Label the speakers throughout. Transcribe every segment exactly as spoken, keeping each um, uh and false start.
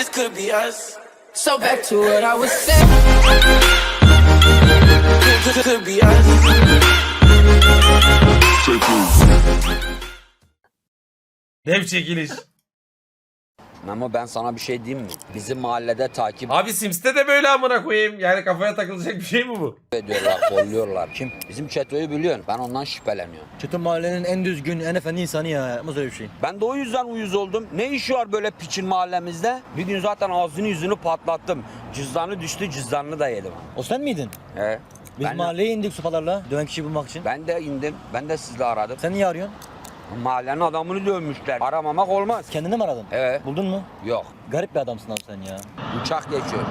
Speaker 1: this could be us. So back to what I was saying. Could, could be us.
Speaker 2: Dev çekiliş.
Speaker 3: Memo ben sana bir şey diyeyim mi? Bizim mahallede takip
Speaker 2: Abi Sims'te de böyle amına koyayım. Yani kafaya takılacak bir şey mi bu?
Speaker 3: ediyorlar, kolluyorlar. Kim? Bizim Çeto'yu biliyorsun. Ben ondan şüpheleniyorum.
Speaker 4: Çetin mahallenin en düzgün, en efendi insanı ya. Yapmaz öyle bir şey.
Speaker 3: Ben de o yüzden uyuz oldum. Ne işi var böyle piçin mahallemizde? Bir gün zaten ağzını yüzünü patlattım. Cüzdanı düştü, cüzdanını da yedim.
Speaker 4: O sen miydin?
Speaker 3: He.
Speaker 4: Biz
Speaker 3: Ben,
Speaker 4: mahalleye indik sopalarla. Döven kişiyi bulmak için.
Speaker 3: ben de indim. Ben de sizi aradım.
Speaker 4: Sen niye arıyorsun?
Speaker 3: Mahallenin adamını dövmüşler. Aramamak olmaz.
Speaker 4: Kendini mi aradın?
Speaker 3: Evet.
Speaker 4: Buldun mu?
Speaker 3: Yok.
Speaker 4: Garip bir adamsın abi sen ya.
Speaker 3: Uçak geçiyor.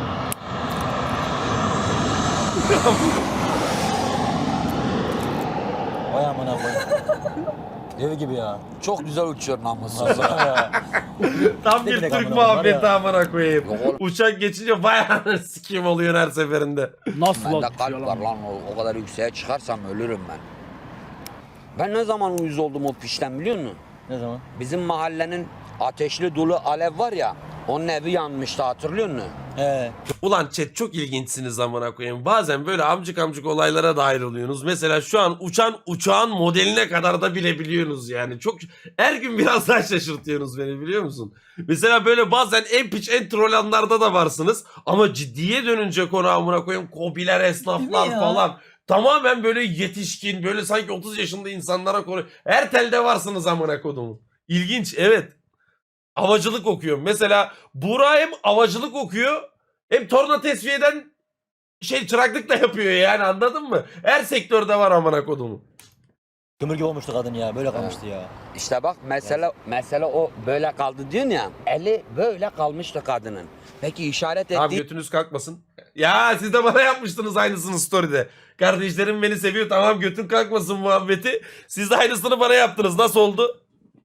Speaker 4: Vay amına koyayım. Dev gibi ya.
Speaker 3: Çok güzel uçuyor namussuz.
Speaker 2: Tam bir
Speaker 4: Ne
Speaker 2: Türk
Speaker 4: bileyim amına
Speaker 2: muhabbeti
Speaker 4: koyayım
Speaker 2: amına koyayım.
Speaker 3: Yok oğlum.
Speaker 2: Uçak geçince bayağı sikim oluyor her seferinde.
Speaker 5: Nasıl
Speaker 3: Bende
Speaker 5: lan?
Speaker 3: kalp var lan. O, o kadar yükseğe çıkarsam ölürüm ben. Ben ne zaman uyuz oldum o pişten biliyor musun?
Speaker 4: Ne zaman?
Speaker 3: Bizim mahallenin ateşli dolu alev var ya. Onun evi yanmıştı hatırlıyor musun?
Speaker 4: He.
Speaker 2: Ulan chat çok ilginçsiniz amına koyayım. Bazen böyle amcık amcık olaylara dahil oluyorsunuz. Mesela şu an uçan uçağın modeline kadar da bilebiliyorsunuz yani. Çok her gün biraz daha şaşırtıyorsunuz beni biliyor musun? Mesela böyle bazen en piç en troll anlarda da varsınız. Ama ciddiye dönünce konu amına koyayım. Kobiler, esnaflar
Speaker 4: Değil mi ya?
Speaker 2: falan. Tamamen böyle yetişkin böyle sanki otuz yaşında insanlara konu. Her telde varsınız amına kodumu. İlginç evet. Havacılık okuyorum. Mesela Buğra hem havacılık okuyor hem torna tesviyeden şey çıraklık da yapıyor yani anladın mı? Her sektörde var amına kodumu.
Speaker 4: Kömür gibi olmuştu kadın ya. Böyle kalmıştı ya.
Speaker 3: İşte bak mesele mesele o böyle kaldı diyorsun ya. Eli böyle kalmıştı kadının. Peki işaret
Speaker 2: Tamam
Speaker 3: ettiği
Speaker 2: götünüz kalkmasın. Ya siz de bana yapmıştınız aynısını story'de. Kardeşlerim beni seviyor tamam götün kalkmasın muhabbeti. Siz de aynısını bana yaptınız. Nasıl oldu?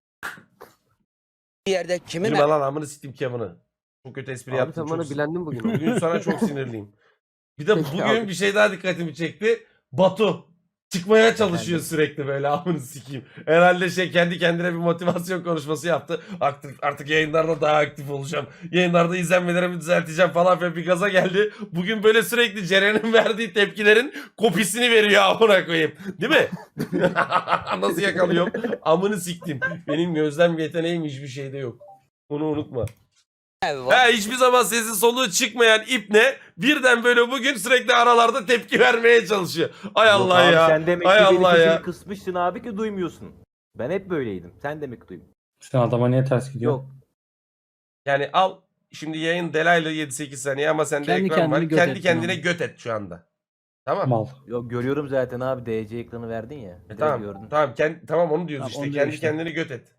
Speaker 3: yerde kimin
Speaker 2: Bilme lan amını siktim Kevin'i. Çok kötü espri
Speaker 6: Abi
Speaker 2: yaptım.
Speaker 6: sen bana
Speaker 2: Çok...
Speaker 6: bilendin bugün.
Speaker 2: Bugün sana çok sinirliyim. Bir de
Speaker 6: Peki
Speaker 2: bugün
Speaker 6: abi.
Speaker 2: bir şey daha dikkatimi çekti. Batu çıkmaya çalışıyor sürekli böyle amını sikeyim. Herhalde şey kendi kendine bir motivasyon konuşması yaptı. Aktif, artık yayınlarda daha aktif olacağım. Yayınlarda izlenmelerimi düzelteceğim falan filan bir gaza geldi. Bugün böyle sürekli Ceren'in verdiği tepkilerin kopisini veriyor amına koyayım. Değil mi? Nasıl yakalıyorum? Amını siktim. Benim gözlem yeteneğim hiçbir şeyde yok. Bunu unutma.
Speaker 3: evi var?
Speaker 2: Ha, hiçbir zaman sesi soluğu çıkmayan ipne birden böyle bugün sürekli aralarda tepki vermeye çalışıyor. Ay Allah
Speaker 6: Yok abi,
Speaker 2: ya.
Speaker 6: Sen demek
Speaker 2: Ay
Speaker 6: ki benim
Speaker 2: Allah
Speaker 6: sesimi
Speaker 2: ya.
Speaker 6: kısmışsın abi ki duymuyorsun. Ben hep böyleydim. Sen demek ki duymuyorsun.
Speaker 5: Sen adama niye ters gidiyor?
Speaker 6: Yok.
Speaker 2: Yani al şimdi yayın delaylı yedi sekiz saniye ama sende
Speaker 5: Kendi
Speaker 2: ekran var.
Speaker 5: kendini göt
Speaker 2: Kendi
Speaker 5: et
Speaker 2: kendine
Speaker 5: yani.
Speaker 2: göt et şu anda. Tamam.
Speaker 5: Mal.
Speaker 6: Yok görüyorum zaten abi. D C ekranı verdin ya.
Speaker 2: E,
Speaker 6: Direkt
Speaker 2: tamam.
Speaker 6: gördün.
Speaker 2: Tamam, kend, tamam onu diyoruz
Speaker 5: Tamam,
Speaker 2: işte.
Speaker 5: onu diyor
Speaker 2: Kendi
Speaker 5: işte.
Speaker 2: kendini göt et.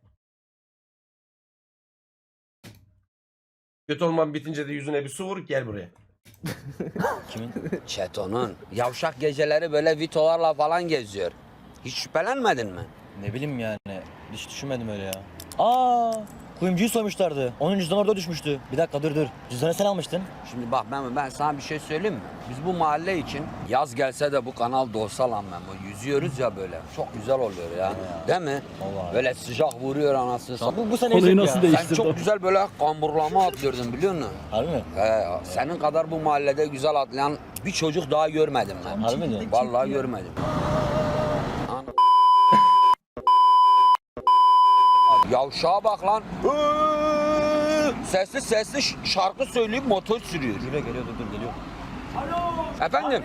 Speaker 2: Göt olman bitince de yüzüne bir su vur gel buraya.
Speaker 4: Kimin?
Speaker 3: Çeto'nun. Yavşak geceleri böyle vitolarla falan geziyor. Hiç şüphelenmedin mi?
Speaker 4: Ne bileyim yani. Hiç düşünmedim öyle ya. Aa, kuyumcuyu soymuşlardı. Onun cüzdanı orada düşmüştü. Bir dakika dur dur. Cüzdanı sen almıştın.
Speaker 3: Şimdi bak Memo ben sana bir şey söyleyeyim mi? Biz bu mahalle için yaz gelse de bu kanal dolsa lan Memo. Yüzüyoruz ya böyle. Çok güzel oluyor ya. Değil mi?
Speaker 4: Vallahi.
Speaker 3: Böyle sıcak vuruyor anasını satayım.
Speaker 4: Bu, bu sene
Speaker 5: Konuyu
Speaker 4: yüzük
Speaker 5: nasıl
Speaker 4: ya.
Speaker 5: değiş-
Speaker 3: Sen
Speaker 5: değiştirdi o.
Speaker 3: çok güzel böyle kamburlama atlıyordun biliyor musun?
Speaker 4: Harbi mi?
Speaker 3: He, senin kadar bu mahallede güzel atlayan bir çocuk daha görmedim ben.
Speaker 4: Harbi mi diyorsun?
Speaker 3: Vallahi görmedim. An- Yavşağa bak lan. Sesli sesli ş- şarkı söyleyip motor sürüyor.
Speaker 4: Geliyor geliyor dur dur geliyor.
Speaker 3: Efendim?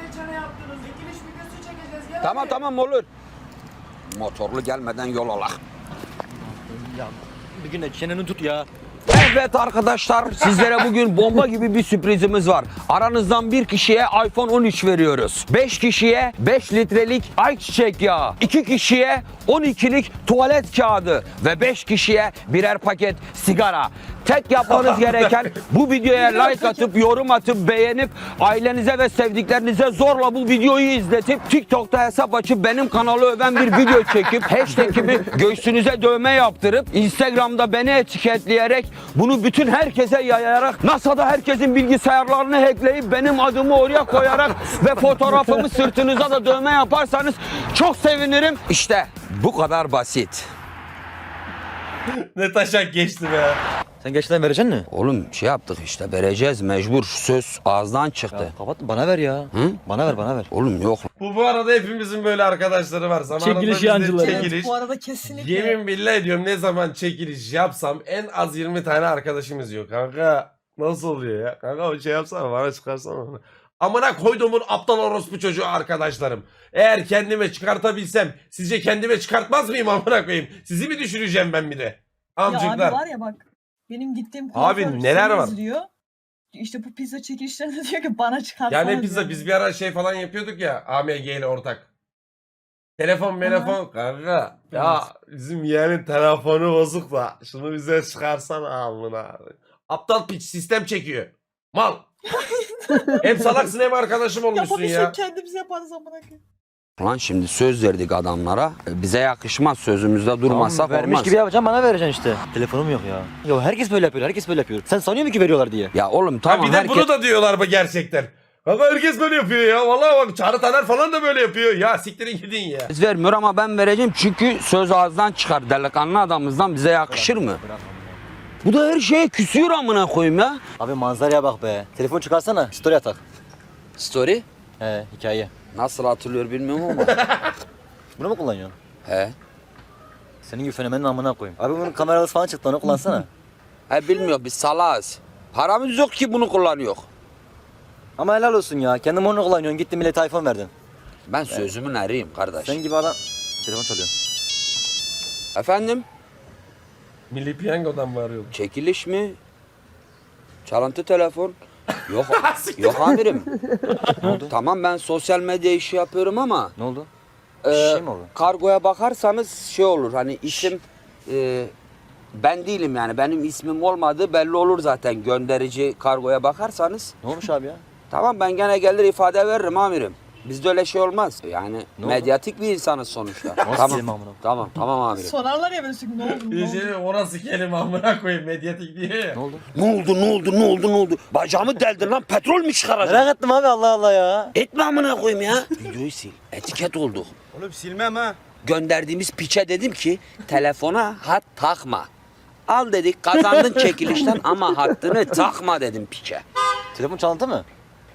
Speaker 3: Tamam tamam olur. Motorlu gelmeden yol alak.
Speaker 4: Ya bir gün de çeneni tut ya.
Speaker 3: Evet arkadaşlar sizlere bugün bomba gibi bir sürprizimiz var. Aranızdan bir kişiye iPhone on üç veriyoruz. beş kişiye beş litrelik ayçiçek yağı. iki kişiye on ikilik tuvalet kağıdı. Ve beş kişiye birer paket sigara. Tek yapmanız gereken bu videoya like atıp, yorum atıp, beğenip, ailenize ve sevdiklerinize zorla bu videoyu izletip, TikTok'ta hesap açıp benim kanalı öven bir video çekip, hashtag'imi göğsünüze dövme yaptırıp, Instagram'da beni etiketleyerek, bunu bütün herkese yayarak, NASA'da herkesin bilgisayarlarını hackleyip, benim adımı oraya koyarak ve fotoğrafımı sırtınıza da dövme yaparsanız çok sevinirim. İşte bu kadar basit.
Speaker 2: Ne taşak geçti be.
Speaker 4: Sen gerçekten vereceksin mi?
Speaker 3: Oğlum şey yaptık işte vereceğiz mecbur. Söz ağızdan çıktı.
Speaker 4: Ya, kapat bana ver ya.
Speaker 3: Hı?
Speaker 4: Bana ver bana ver.
Speaker 3: Oğlum yok.
Speaker 2: Bu bu arada hepimizin böyle arkadaşları var. Zamanında
Speaker 5: Çekiliş
Speaker 2: biz de
Speaker 5: yancıları.
Speaker 2: çekiliş.
Speaker 7: Bu arada kesinlikle.
Speaker 2: Yemin billah ediyorum ne zaman çekiliş yapsam en az yirmi tane arkadaşımız yok. Kanka nasıl oluyor ya? Kanka o şey yapsana bana çıkarsana onu. Amına koyduğumun aptal orospu çocuğu arkadaşlarım. Eğer kendime çıkartabilsem sizce kendime çıkartmaz mıyım amına koyayım? Sizi mi düşüreceğim ben bir de?
Speaker 7: Ya
Speaker 2: Amcıklar.
Speaker 7: abi var ya bak. Benim gittiğim
Speaker 2: Abi
Speaker 7: kuaför
Speaker 2: neler
Speaker 7: seni
Speaker 2: var?
Speaker 7: izliyor. İşte bu pizza çekilişlerinde diyor ki bana çıkarsana
Speaker 2: Yani pizza
Speaker 7: diyor.
Speaker 2: biz bir ara şey falan yapıyorduk ya A M G ile ortak. Telefon telefon kanka. Ya bizim yeğenin telefonu bozuk da şunu bize çıkarsan amına. Aptal piç sistem çekiyor. Mal. Hem salaksın hem arkadaşım olmuşsun
Speaker 7: Yapabilsek
Speaker 2: ya.
Speaker 7: kendimiz yaparız amına koyayım.
Speaker 3: Lan şimdi söz verdik adamlara. Bize yakışmaz sözümüzde durmazsak
Speaker 4: Tamam, vermiş
Speaker 3: olmaz.
Speaker 4: gibi yapacağım bana vereceksin işte. Telefonum yok ya. Ya herkes böyle yapıyor herkes böyle yapıyor. Sen sanıyor musun ki veriyorlar diye?
Speaker 3: Ya oğlum
Speaker 2: Ha,
Speaker 3: tamam
Speaker 2: bir de
Speaker 3: herkes...
Speaker 2: bunu da diyorlar mı gerçekten? Kanka herkes böyle yapıyor ya. Vallahi bak Çağrı Taner falan da böyle yapıyor. Ya siktirin gidin ya.
Speaker 3: vermiyor ama ben vereceğim çünkü söz ağızdan çıkar. Delikanlı adamımızdan bize yakışır mı?
Speaker 4: Bırak.
Speaker 3: Bu da her şeye küsüyor amına koyayım ya.
Speaker 4: Abi manzaraya bak be. Telefon çıkarsana story atak.
Speaker 3: Story?
Speaker 4: He hikaye.
Speaker 3: Nasıl hatırlıyor bilmiyorum ama.
Speaker 4: Bunu mu kullanıyorsun?
Speaker 3: He.
Speaker 4: Senin gibi fenomenin amına koyayım. Abi bunun kameralısı falan çıktı onu kullansana.
Speaker 3: He bilmiyor biz salağız. Paramız yok ki bunu kullanıyor.
Speaker 4: Ama helal olsun ya. Kendin onu kullanıyorsun. Gittin millete iPhone verdin.
Speaker 3: Ben sözümün eriyim kardeş.
Speaker 4: Sen gibi adam... Telefon çalıyor.
Speaker 3: Efendim?
Speaker 2: Milli Piyango'dan mı arıyordun?
Speaker 3: Çekiliş mi? Çalıntı telefon? Yok, yok amirim.
Speaker 4: Ne oldu?
Speaker 3: Tamam ben sosyal medya işi yapıyorum ama
Speaker 4: Ne oldu?
Speaker 3: e,
Speaker 4: şey mi oldu?
Speaker 3: kargoya bakarsanız şey olur hani isim e, ben değilim yani benim ismim olmadığı belli olur zaten gönderici kargoya bakarsanız.
Speaker 4: Ne olmuş abi ya?
Speaker 3: Tamam ben gene gelir ifade veririm amirim. Bizde öyle şey olmaz. Yani
Speaker 4: Ne
Speaker 3: medyatik bir insanız sonuçta.
Speaker 4: Nasıl
Speaker 3: tamam.
Speaker 4: kelime amına?
Speaker 3: Tamam tamam amirim.
Speaker 7: Sorarlar ya böyle sürekli ne oldu ne oldu.
Speaker 2: İyice orası kelime amına koyayım medyatik diye ya.
Speaker 4: Ne oldu?
Speaker 3: Ne oldu ne oldu ne oldu ne oldu? Bacağımı deldin lan petrol mü çıkaracaksın?
Speaker 4: Merak ettim abi Allah Allah ya.
Speaker 3: Etme amına koyayım ya. Videoyu sil. Etiket olduk.
Speaker 8: Oğlum silmem ha.
Speaker 3: Gönderdiğimiz piçe dedim ki telefona hat takma. Al dedik kazandın çekilişten ama hattını takma dedim piçe.
Speaker 4: Telefon çalıntı mı?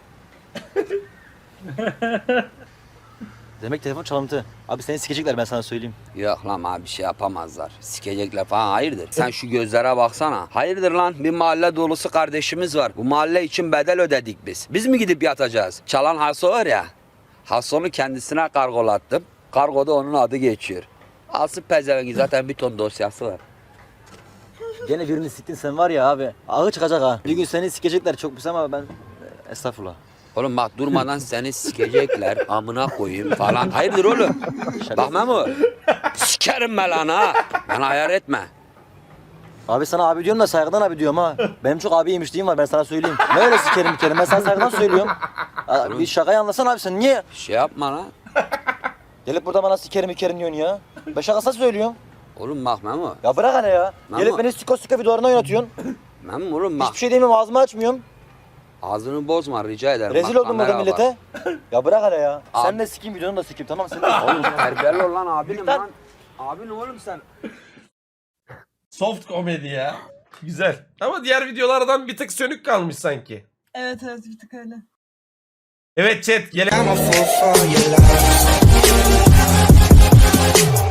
Speaker 4: Demek telefon çalıntı. Abi seni sikecekler ben sana söyleyeyim.
Speaker 3: Yok lan abi bir şey yapamazlar. Sikecekler falan hayırdır. Sen şu gözlere baksana. Hayırdır lan bir mahalle dolusu kardeşimiz var. Bu mahalle için bedel ödedik biz. Biz mi gidip yatacağız? Çalan Haso var ya. Haso'nu kendisine kargolattım. Kargoda onun adı geçiyor. Alsın pezevengi zaten bir ton dosyası var.
Speaker 4: Gene birini siktin sen var ya abi. Ağı çıkacak ha. Bir gün seni sikecekler çok pis ama ben... Estağfurullah.
Speaker 3: Oğlum bak durmadan seni sikecekler amına koyayım falan. Hayırdır oğlum? Bak Memo. Sikerim ben lan ha. Bana ayar etme.
Speaker 4: Abi sana abi diyorum da saygıdan abi diyorum ha. Benim çok abi yemişliğim var ben sana söyleyeyim. Ne öyle sikerim bir kere ben sana saygıdan söylüyorum. Aa, bir şakayı anlasana abi sen niye?
Speaker 3: Şey yapma lan.
Speaker 4: Gelip burada bana sikerim ikerim diyorsun ya. Ben şakasına söylüyorum.
Speaker 3: Oğlum bak Memo.
Speaker 4: Ya bırak hele ya.
Speaker 3: Memo.
Speaker 4: Gelip beni siko siko videolarına oynatıyorsun.
Speaker 3: Memo oğlum bak.
Speaker 4: Hiçbir şey demiyorum ağzımı açmıyorum.
Speaker 3: Ağzını bozma rica ederim.
Speaker 4: Rezil
Speaker 3: Bak,
Speaker 4: oldum burada
Speaker 3: kamera var.
Speaker 4: millete. Ya bırak hele ya.
Speaker 3: Abi-
Speaker 4: Sen de sikeyim videonu da sikeyim tamam sen de.
Speaker 3: Oğlum terbiyeli ol lan abinim
Speaker 4: Lütfen.
Speaker 3: lan. Abin oğlum sen.
Speaker 2: Soft komedi ya. Güzel. Ama diğer videolardan bir tık sönük kalmış sanki.
Speaker 7: Evet evet bir tık öyle.
Speaker 2: Evet chat gelelim.
Speaker 1: I'm a fool for your love.